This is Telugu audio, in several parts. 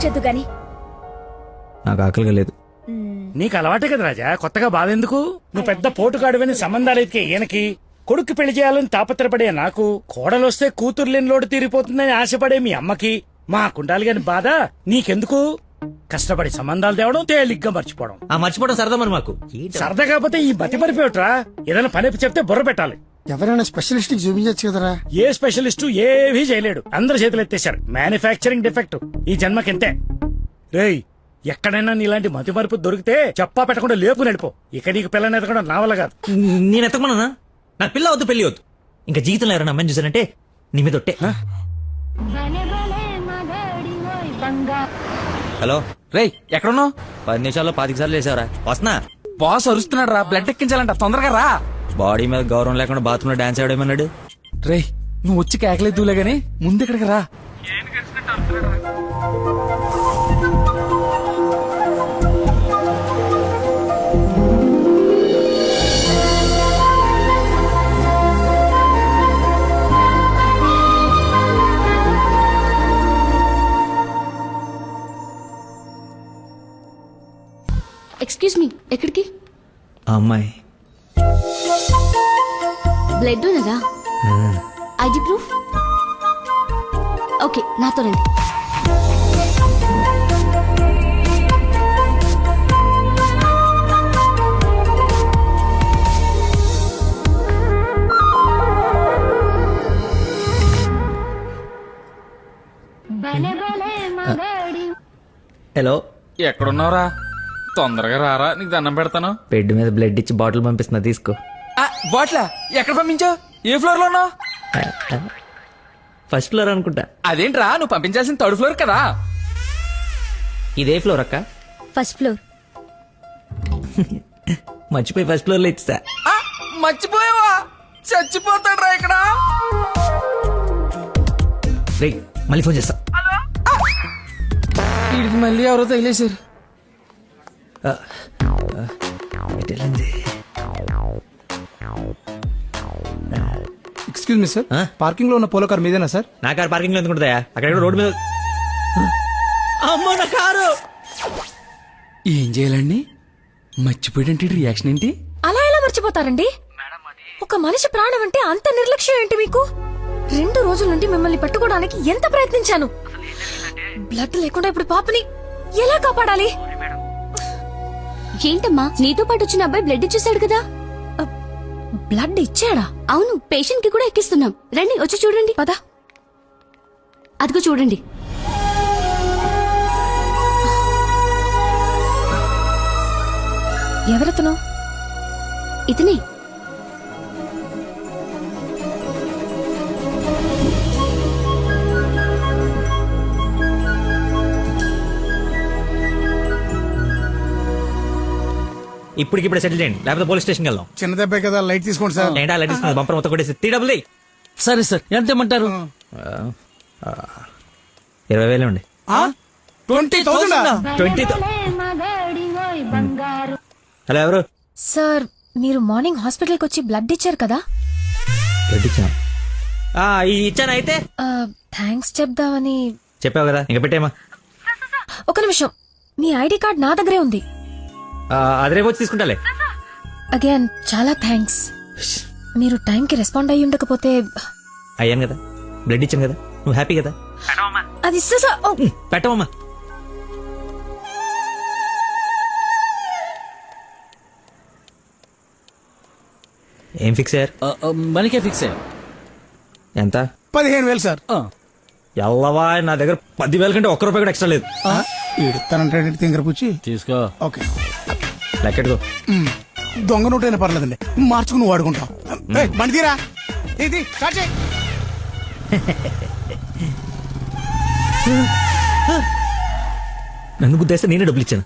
చేద్దు గాని. నాకు ఆకలిగా లేదు. నీకు అలవాటే కదా రాజా, కొత్తగా బాధ ఎందుకు? నువ్వు పెద్ద పోటుగాడువని సంబంధాలు ఎత్తికే ఈయనకి, కొడుకు పెళ్లి చేయాలని తాపత్రపడే నాకు, కోడలొస్తే కూతురు లేని లోటు తీరిపోతుందని ఆశపడే మీ అమ్మకి, మా కుండాలి గాని బాధ నీకెందుకు? కష్టపడి సంబంధాలు తేవడం, తేలిగ్గా మర్చిపోవడం. ఆ మర్చిపోవడం సరదా మరి మాకు. సరదా కాకపోతే ఈ మతి మరిపోయట్రా. ఏదైనా పని చెప్తే బుర్ర పెట్టాలి. ఎవరైనా స్పెషలిస్ట్ కి చూపించచ్చు కదరా. ఏ స్పెషలిస్టు ఏవీ చేయలేడు, అందరు చేతులు ఎత్తేశారు. మ్యానుఫ్యాక్చరింగ్ డిఫెక్ట్ ఈ జన్మకింతే. రేయ్, ఎక్కడైనా నీలాంటి మతి మరుపు దొరికితే చెప్పా పెట్టకుండా లేపు నడిపో. ఇక నీకు పిల్లని ఎతకడం నా వల్ల కాదు. నేను ఎత్తకమన్నా? నాకు పిల్ల వద్దు, పెళ్లి వద్దు. ఇంకా జీవితంలో ఎవరైనా అమ్మని చూసానంటే నీ మీద ఒట్టే. హలో రేయ్, ఎక్కడున్నావు? 10 నిమిషాల్లో 25 సార్లు వేసావరా. వస్తున్నా. బాస్ అరుస్తున్నాడు రా, బ్లడ్ ఎక్కించాలంట, తొందరగా రా. బాడీ మీద గౌరవం లేకుండా బాత్రూమ్ లో డాన్స్ ఆడేమన్నాడు. రేయ్, నువ్వు వచ్చి కేకలేదులే గాని ముందు ఇక్కడికి రా. ఎక్స్క్యూజ్ మీ, ఎక్కడికి? ఆ అమ్మాయి బ్లడ్ ఉన్నదా? ID proof? ఓకే, నాతో రండి. హలో, ఎక్కడున్నావురా? తొందరగా రారా, నీకు దండం పెడతాను. బెడ్ మీద బ్లడ్ ఇచ్చి బాటిల్ పంపిస్తున్నా, తీసుకో. బాట్లా ఎక్కడ పంపించావు? ఏ ఫ్లోర్ లో ఉన్నావు? ఫస్ట్ ఫ్లోర్ అనుకుంటా. అదేంట్రా, నువ్వు పంపించాల్సిన 3rd ఫ్లోర్ కదా. ఇదే ఫ్లోర్ అక్క? First floor. మర్చిపోయి ఫస్ట్ ఫ్లోర్ లో ఇచ్చా. మర్చిపోయావా? చచ్చిపోతాడు రా ఇక్కడ. రే, మళ్ళీ ఫోన్ చేస్తా. వీడికి మళ్ళీ ఎవరో తగిలేశారు. ఎక్స్క్యూజ్ మీ సార్, పార్కింగ్ లో ఉన్న పోలో కార్ మీదేనా సార్? నా కారు పార్కింగ్ లో ఎందుకుంటుందా? అక్కడ రోడ్డు మీద. అమ్మో, నా కారు! ఏం చేయాలండి? మర్చిపోయాడంటే రియాక్షన్ ఏంటి? అలా ఎలా మర్చిపోతారండి? ఒక మనిషి ప్రాణం అంటే అంత నిర్లక్ష్యం ఏంటి మీకు? 2 రోజుల నుండి మిమ్మల్ని పట్టుకోవడానికి ఎంత ప్రయత్నించాను. బ్లడ్ లేకుండా ఇప్పుడు పాపని ఎలా కాపాడాలి? ఏంటమ్మా, నీతో పాటు వచ్చిన అబ్బాయి బ్లడ్ ఇచ్చేసాడు కదా? బ్లడ్ ఇచ్చాడా? అవును, పేషెంట్ కి కూడా ఎక్కిస్తున్నాం. రండి, వచ్చి చూడండి. పదా. అదిగో చూడండి. ఎవరతను? ఇతనే. ఇప్పటికిప్పుడే సెటిల్ చేయండి, లేకపోతే పోలీస్ స్టేషన్కి వెళ్దాం. చిన్న దెబ్బే కదా, లైట్ తీసుకోండి సార్. ఏంటా లైట్ ఇస్తుంది? బంపర్ మొత్తం కొట్టేసి 3 సరే సార్, ఎంత ఇమ్మంటారు? 20,000 అండి. 20,000? 20,000. హలో, ఎవరు? సార్, మీరు మార్నింగ్ హాస్పిటల్ కి వచ్చి బ్లడ్ ఇచ్చారు కదా? బ్లడ్ ఇచ్చాను. ఇచ్చాను. అయితే థ్యాంక్స్ చెప్దామని. చెప్పావు కదా, ఇంకా పెట్టేమా. ఒక నిమిషం, మీ ఐడి కార్డ్ నా దగ్గరే ఉంది. అది రేపు వచ్చి తీసుకుంటాలే. అగైన్ చాలా థ్యాంక్స్. మీరు టైంకి రెస్పాండ్ అయ్యి ఉండకపోతే. అయ్యాను కదా, బ్లడ్ ఇచ్చాను కదా, నువ్వు హ్యాపీ కదా? అది పెట్టవమ్మా. ఏం ఫిక్స్ అయ్యారు? మనకే ఫిక్స్ అయ్యా. ఎంత? 15,000 సార్. ఎల్లవా, నా దగ్గర 10,000 కంటే ఒక్క రూపాయి కూడా ఎక్స్ట్రా లేదు. ఇడతానంటే తింగర పుచ్చి తీసుకో. ఓకే, లెక్కెట్టుకో. దొంగ నోట్ అయినా పర్లేదండి, మార్చుకుని వాడుకుంటాం. బండి తీరా, ఇది స్టార్ట్ చేయి. నన్ను గుద్దేస్తే నేనే డబ్బులు ఇచ్చాను.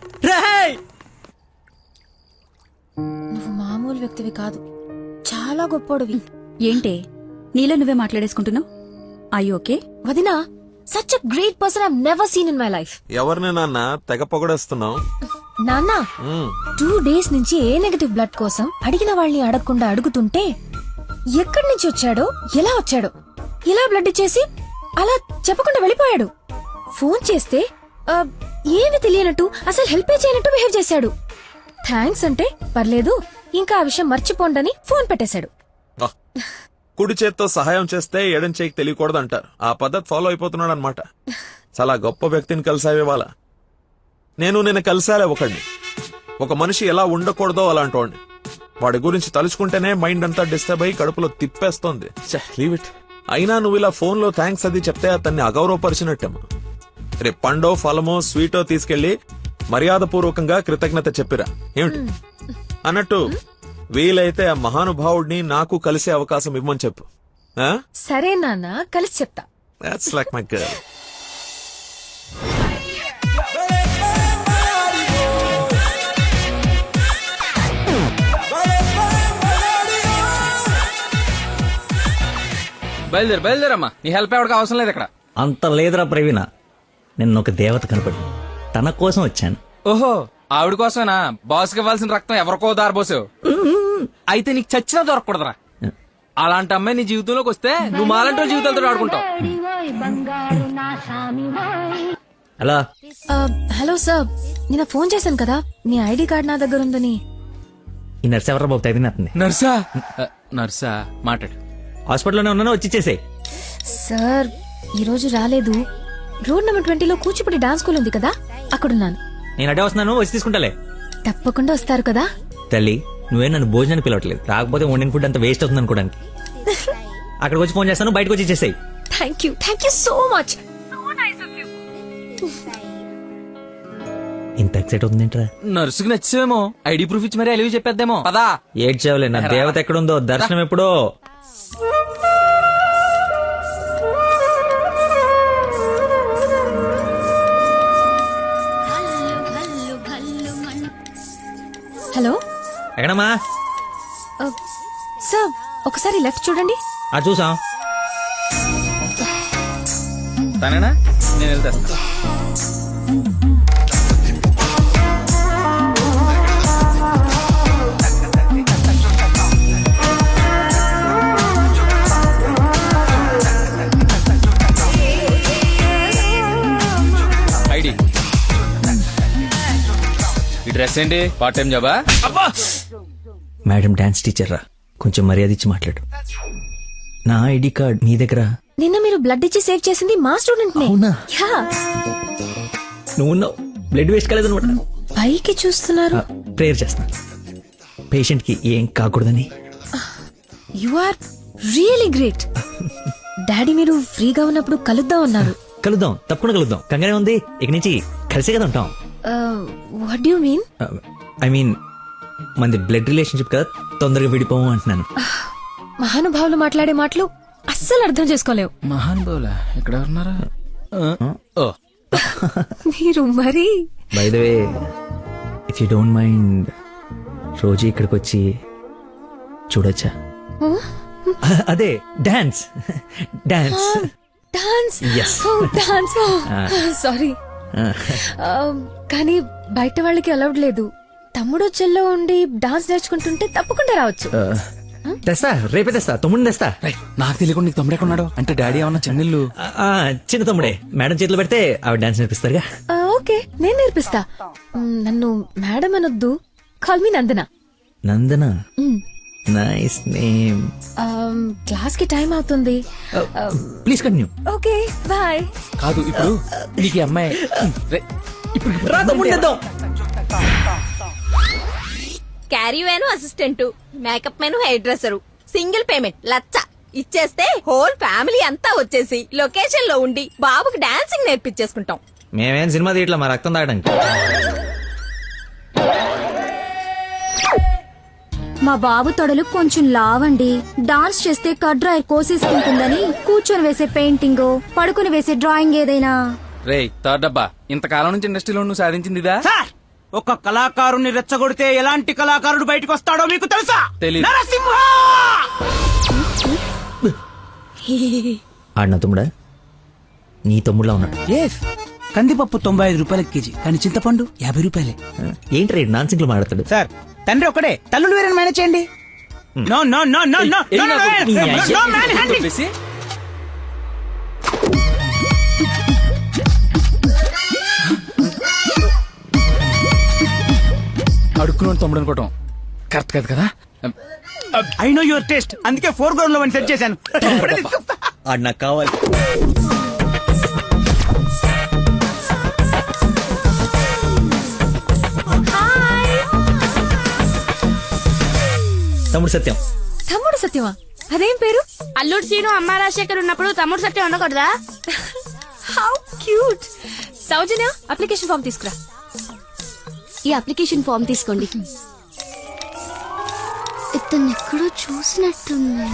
నువ్వు మామూలు వ్యక్తివి కాదు, చాలా గొప్పోడివి. ఏంటే నీలో నువ్వే మాట్లాడేసుకుంటున్నావు? I okay? వదినా, such a great person I have never seen in my life. ఎవరిని నాన్న తెగ పొగడేస్తున్నావు? నాన్న, 2 days నుంచి ఏ నెగటివ్ బ్లడ్ కోసం అడిగిన వాళ్ళని అడగకుండా అడుగుతుంటే ఎక్కడి నుంచి వచ్చాడో, ఎలా వచ్చాడో, ఇలా బ్లడ్ ఇచ్చేసి అలా చెప్పకుండా వెళ్ళిపోయాడు. ఫోన్ చేస్తే ఏమి తెలియనట్టు అసలు హెల్ప్ చేయనట్టు బిహేవ్ చేశాడు. థ్యాంక్స్ అంటే పర్లేదు, ఇంకా ఆ విషయం మర్చిపోండని ఫోన్ పెట్టేశాడు. ఆ, కుడి చేత్తో సహాయం చేస్తే ఎడం చేయికి తెలియకూడదు అంటారు. ఆ పద్ధతి ఫాలో అయిపోతున్నాడు అనమాట. చాలా గొప్ప వ్యక్తిని కలిసావే వాళ్ళ. నేను నిన్న కలిసాలే ఒకడిని. ఒక మనిషి ఎలా ఉండకూడదో అలాంటి వాడిని. వాడి గురించి తలుచుకుంటేనే మైండ్ అంతా డిస్టర్బ్ అయ్యి కడుపులో తిప్పేస్తోంది. Leave it. అయినా నువ్వు ఇలా ఫోన్ లో థ్యాంక్స్ అది చెప్తే అతన్ని అగౌరవపరిచినట్టేమో. రేపు పండో ఫలమో స్వీటో తీసుకెళ్లి మర్యాదపూర్వకంగా కృతజ్ఞత చెప్పిరా ఏమిటి అన్నట్టు. వీలైతే ఆ మహానుభావుడిని నాకు కలిసే అవకాశం ఇవ్వమని చెప్పు. సరే నాన్న, కలిసి చెప్తా. That's like my girl. బయలుదేరమ్మా, నీ హెల్ప్ ఎవరికి అవసరం లేదు ఇక్కడ. అంత లేదురా ప్రవీణ, నిన్న ఒక దేవత కనపడి తన కోసం వచ్చాను. ఓహో, ఆవిడ కోసమేనా బాస్కి ఇవ్వాల్సిన రక్తం ఎవరికో దారబోసావు? అయితే నీకు చచ్చినా దొరకకూడదురా. అలాంటి అమ్మాయి నీ జీవితంలోకి వస్తే నువ్వు మాలంటి వాళ్ళ జీవితాలతో ఆడుకుంటావు. అలా హలో సార్, నిన్న ఫోన్ చేశాను కదా, మీ ఐడి కార్డ్ నా దగ్గర ఉందని. ఈ నర్స్ ఎవరా బాబు తగినట్టుంది. నర్సా? నర్సా మాట్లాడు. హాస్పిటల్లోనే ఉన్నాను, వచ్చి ఇచ్చేసేయ్. సార్ ఈ రోజు రాలేదు. రోడ్ నెంబర్ 20లో కూచిపూడి డాన్స్ స్కూల్ ఉంది కదా, అక్కడున్నాను. నేను అడే వస్తున్నాను, వచ్చి తీసుకుంటాలే. తప్పకుండా వస్తారు కదా. తల్లి, నువ్వే నన్ను భోజనానికి పిలవట్లేదు. రాకపోతే వండిన ఫుడ్ అంత వేస్ట్ అవుతుంది అనుకోడానికి. అక్కడికి వచ్చి ఫోన్ చేస్తాను, బయటకు వచ్చి ఇచ్చేసేయ్. Thank you so much. ఇంత ఎక్సైట్ అవుతుందేంట్రా? నర్సుకి నచ్చేమో, ఐడి ప్రూఫ్ ఇచ్చి మరీ అలివి చెప్పేద్దేమో. పదా ఏడ్చావులే, నా దేవత ఎక్కడుందో దర్శనం ఎప్పుడో. హలో ఎక్కడమ్మా? సార్ ఒకసారి లెఫ్ట్ చూడండి. చూసాం. తనేనా? నేను వెళ్తా. ఐడి, ఈ డ్రెస్ ఏంటి? పార్ట్ టైం జాబా? మేడం డాన్స్ టీచర్ రా, కొంచెం మర్యాద ఇచ్చి మాట్లాడు. నా ఐడి కార్డ్ నీ దగ్గర. నిన్న మీరు బ్లడ్ ఇచ్చి సేవ్ చేసింది మా స్టూడెంట్ నే. అవునా? యా. నువ్వు బ్లడ్ వేస్ట్ కాలేదు అనమాట. పైకి చూస్తున్నారు. ప్రేయర్ చేస్తాను పేషెంట్ కి ఏం కాకూడదని. You are really great. Daddy మీరు ఫ్రీగా ఉన్నప్పుడు కలుద్దాం అన్నారు. కలుద్దాం, తప్పకుండా కలుద్దాం. కంగానే ఉంది, ఇక నుంచి కలిసే కదా ఉంటాం. What do you mean? I mean మనది బ్లడ్ రిలేషన్షిప్ కదా, తొందరగా విడిపోము అంటున్నాను. మహానుభావులు మాట్లాడే మాటలు అస్సలు అర్థం చేసుకోలేవు. మహానుభావులా? ఎక్కడ ఉన్నారా? మీరు మరి. By the way, if you don't mind, రోజు ఇక్కడికి వచ్చి చూడొచ్చా? అదే dance. Dance dance. Yes. Dance. Sorry, కానీ బయట వాళ్ళకి అలౌడ్ లేదు. తమ్ముడు చెల్లో ఉండి డాన్స్ నేర్చుకుంటుంటే తప్పకుండా రావచ్చు. తెస్తా, రేపే తెస్తా, తమ్ముడిని తెస్తా. నాకు తెలియకుండా నీకు తమ్ముడు ఎక్కడున్నాడు? అంటే డాడీ ఏమన్నా చెన్నెళ్ళు? చిన్న తమ్ముడే, మేడం చేతిలో పెడితే ఆవిడ డాన్స్ నేర్పిస్తారుగా. ఓకే, నేను నేర్పిస్తా. నన్ను మేడం అనొద్దు, call me Nandana. Nandana, nice name. Class కి టైం అవుతుంది. Please continue. Okay bye. కాదు, ఇప్పుడు నీకు అమ్మాయి రా తమ్ముడిని తెద్దాం. Caravan assistant, makeup man hair dresser, single payment 1,00,000 ఇచ్చేస్తే హోల్ ఫ్యామిలీ అంతా వచ్చేసి లొకేషన్ లో ఉండి బాబుకి డాన్సింగ్ నేర్పించేసుకుంటాం. మేమేం సినిమా తీయట్లా, మా రక్తం తాగడానికి. మా బాబు తొడలు కొంచెం లావండి. డాన్స్ చేస్తే కడ్రాయి కోసేసుకుంటుందని కూర్చొని వేసే పెయింటింగ్, పడుకుని వేసే డ్రాయింగ్ ఏదైనా. రే థర్డ్ డబ్బా, ఇంతకాలం నుంచి ఇండస్ట్రీలో నువ్వు సాధించిందిదా? సార్, ఒక కళాకారుని రెచ్చగొడితే ఎలాంటి కళాకారుడు బయటకు వస్తాడో మీకు తెలుసా? తెలీదు. నరసింహ! ఆడిన తమ్ముడా? నీ తమ్ముడులా ఉన్నాడు. కందిపప్పు 95 రూపాయల కేజీ, కానీ చింతపండు 50 రూపాయలే. ఏంటి రేడు నాన్సింగ్ లో మాట్లాడతాడు? సార్, తండ్రి ఒక్కడే, తల్లులు వేరే మేనేజ్ చేయండి. No no no no no no man handling. అడుక్కుని తమ్ముడు అనుకోవటం కరెక్ట్ కాదు కదా. ఐ నో యువర్ టేస్ట్, అందుకే 4 గ్రౌండ్ లో సెట్ చేశాను. ఇప్పుడే తీసుకొస్తా. ఆడు నాకు కావాలి. తమ్ముడు సత్యం. తమ్ముడు సత్యమా? అదేం పేరు? అల్లుడు సీను అమ్మ రాజశేఖర్ ఉన్నప్పుడు తమ్ముడు సత్యం ఉండకూడదా? How cute. Soujanya, application form తీసుకురా. ఈ అప్లికేషన్ ఫామ్ తీసుకోండి. ఇతను ఎక్కడో చూసినట్టుంది.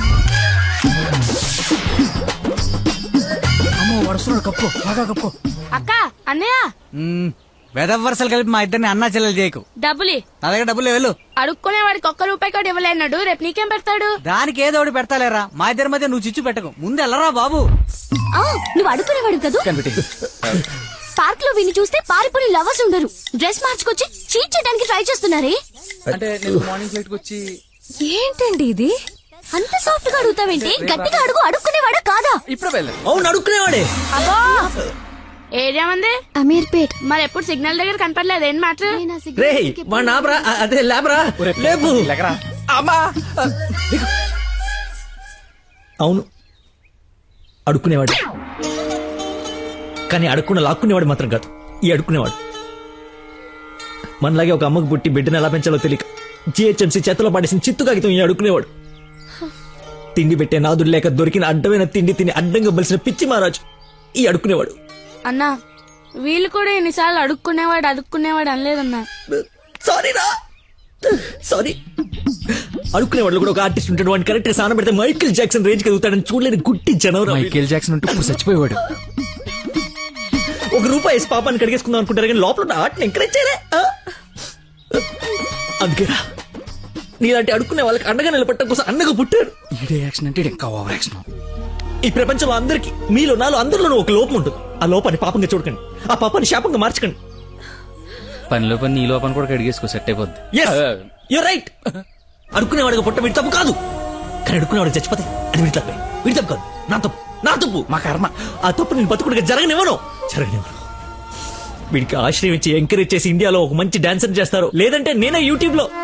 అమ్మో వరుసలో కప్పు, బాగా కప్పు. అక్క, అన్నయ్య వెదవరసలు కలిపి మా ఇద్దరిని అన్నా చెల్లెలు చేయకు. డబ్బులి నా దగ్గర డబ్బులు వెళ్ళు. అడుక్కునే వాడికి ₹1 కూడా ఇవ్వలేనాడు. రేపు నీకేం పెడతాడు? దానికి ఏదో ఒకటి పెడతాలేరా, మా ఇద్దరి మధ్య నువ్వు చిచ్చు పెట్టకు. ముందు వెళ్ళరా బాబు. నువ్వు అడుగునేవాడు కదా. పార్క్ లో విని చూస్తే పారిపోయిన లవర్స్ ఉండరు. డ్రెస్ మార్చుకొచ్చి చీట్ చేయడానికి ట్రై చేస్తున్నారే. అంటే నేను మార్నింగ్ ఫ్లైట్ కి వచ్చి ఏంటండి ఇది? అంత సాఫ్ట్ గా అడుగుతావేంటి? గట్టిగా అడుగు. అడుక్కునేవాడా కాదా? ఇప్పుడే వెళ్ళాను. అవును అడుక్కునేవాడే. అబ్బో ఏరియా మంది అమీర్పేట్. మరి ఎప్పుడు సిగ్నల్ దగ్గర కనపడలేదు. ఏం మాట? రే మా నాబ్రా, అదే లేబరా, లేపు. అమ్మా అవును అడుక్కునేవాడు, కానీ అడుక్కున్న లాక్కునేవాడు మాత్రం కాదు ఈ అడుక్కునేవాడు. మనలాగే ఒక అమ్మకు పుట్టి బిడ్డను ఎలా పెంచాలో తెలియక జిహెచ్ఎంసీ చేతిలో పడేసిన చిత్తు కాగితం ఈ అడుక్కునేవాడు. తిండి పెట్టే నాదుడు లేక దొరికిన అడ్డమైన తిండి తిని అడ్డంగా బలిసిన పిచ్చి మహారాజు ఈ అడుక్కునేవాడు. అన్నా వీళ్ళు కూడా ఎన్నిసార్లు అడుక్కునేవాడు అనలేదన్నా. సారీరా, సారీ. అడుక్కునేవాడు కూడా ఒక ఆర్టిస్ట్ ఉంటాడు. వాడిని కరెక్ట్ గా సాన పెడితే మైకేల్ జాక్సన్ రేంజ్ ఎదుగుతాడని చూడలేని గుట్టి జనం. మైకేల్ జాక్సన్ ఉంటే ఇప్పుడు చచ్చిపోయేవాడు. ₹1 వేసి పాపాన్ని కడిగేసుకుందాం అనుకుంటారు కానీ లోపల ఉన్న ఆర్ట్ని ఎంకరేజ్ చేయలే. అందుకేరా నీలాంటి అడుక్కునే వాళ్ళకి అండగా నిలబట్టడం కోసం అండగా పుట్టారు. ఈడే యాక్షన్ అంటే ఇంకా ఓవర్ యాక్షన్. ఈ ప్రపంచంలో అందరికి మీలో నాలో అందరిలోనూ ఒక లోపం ఉంటుంది. ఆ లోపాన్ని పాపంగా చూడకండి, ఆ పాపాన్ని శాపంగా మార్చకండి. పనిలో పని నీ లోపల కూడా కడిగేసుకో, సెట్ అయిపోద్ది. You're right. అడుక్కునేవాడిగా పుట్ట వీడి తప్పు కాదు, కానీ అడుక్కునేవాడికి చచ్చిపోతే అది వీడి తప్పే. వీడి తప్పు కాదు, నా తప్పు, నా తప్పు, మా కర్మ. ఆ తప్పు నేను బతుకుడిగా జరగనివ్వను. వీడికి ఆశ్రయం ఇచ్చి ఎంకరేజ్ చేసి ఇండియాలో ఒక మంచి డాన్సర్ చేస్తారు, లేదంటే నేనే యూట్యూబ్ లో